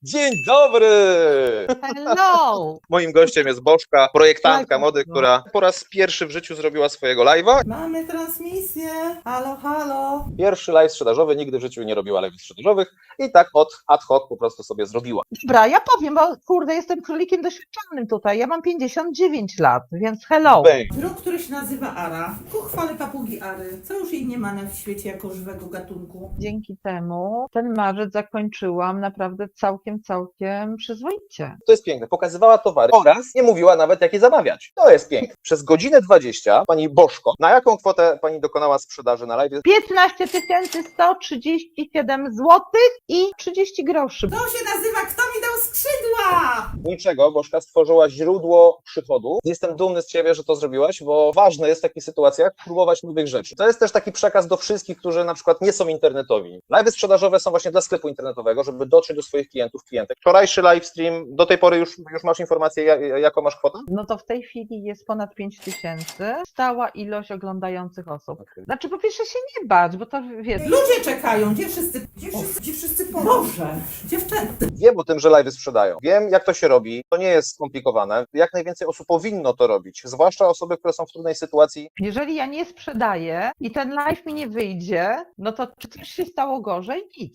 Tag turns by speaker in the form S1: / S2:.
S1: Dzień dobry!
S2: Hello!
S1: Moim gościem jest Bożka, projektantka
S2: Tak,
S1: mody,
S2: no.
S1: która po raz pierwszy w życiu zrobiła swojego live'a.
S3: Mamy transmisję. Halo, halo.
S1: Pierwszy live sprzedażowy, nigdy w życiu nie robiła live'ów sprzedażowych i tak ad hoc po prostu sobie zrobiła.
S2: Dobra, ja powiem, bo kurde, jestem królikiem doświadczonym tutaj. Ja mam 59 lat, więc hello.
S1: Bang.
S3: Druk, który się nazywa Ara. Ku chwale papugi Ary. Co już jej nie ma na świecie jako żywego gatunku.
S2: Dzięki temu ten marzec zakończyłam naprawdę całkiem przyzwoicie.
S1: To jest piękne. Pokazywała towary oraz nie mówiła nawet, jak je zamawiać. To jest piękne. Przez godzinę 20 pani Bożko, na jaką kwotę pani dokonała sprzedaży na live?
S2: 15 137 zł i 30 groszy.
S3: To się nazywa Kto mi dał skrzydła?
S1: Niczego, Bożka stworzyła źródło przychodu. Jestem dumny z ciebie, że to zrobiłaś, bo ważne jest w takich sytuacjach próbować nowych rzeczy. To jest też taki przekaz do wszystkich, którzy na przykład nie są internetowi. Live'y sprzedażowe są właśnie dla sklepu internetowego, żeby dotrzeć do swoich klientów, klientek. Wczorajszy livestream, do tej pory już masz informację, jaką masz kwotę?
S2: No to w tej chwili jest ponad 5000. Stała ilość oglądających osób. Znaczy po pierwsze się nie bać, bo to wiesz,
S3: Ludzie czekają. Gdzie wszyscy Boże, dziewczęta.
S1: Wiem o tym, że live'y sprzedają. Wiem, jak to się robi. To nie jest skomplikowane. Jak najwięcej osób powinno to robić. Zwłaszcza osoby, które są w trudnej sytuacji.
S2: jeżeli ja nie sprzedaję i ten live mi nie wyjdzie, no to czy coś się stało gorzej? Nic.